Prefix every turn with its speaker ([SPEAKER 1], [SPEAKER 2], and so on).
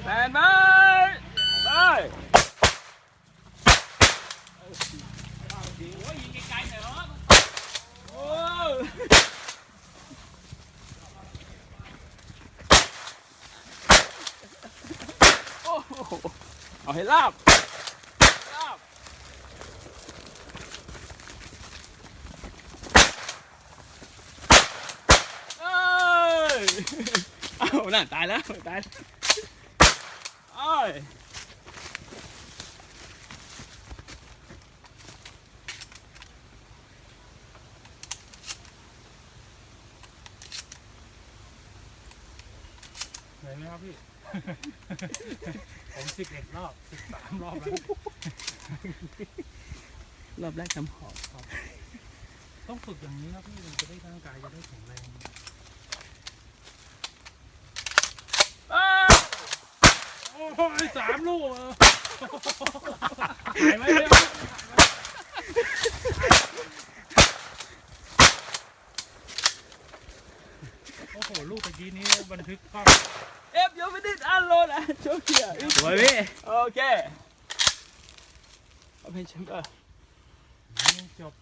[SPEAKER 1] แฟนไปไปโอ้ยยิงไกลๆหน่อยเหรอโอ้โอ้โหเอาให้ลาบลาบเอ้ยเอาน่ะตายแล้วตายเอ้ย
[SPEAKER 2] เหนื่อยไหมครับพี่ ผม11 รอบ13 รอบแล้ว
[SPEAKER 1] รอบแรกทำหอบครับ
[SPEAKER 2] ต้องฝึกอย่างนี้ครับพี่มันจะได้ร่างกายจะได้แข็งแรงโอ้ย3 ลูกหายไหมเนี่ยโอ้โหลูกตะกี้นี้บันทึกกล้อง
[SPEAKER 1] Ép vô với đít ăn luôn à chỗ kìa
[SPEAKER 3] Rồi đi.
[SPEAKER 1] Ok. Ở bên chúng ta.
[SPEAKER 2] จบ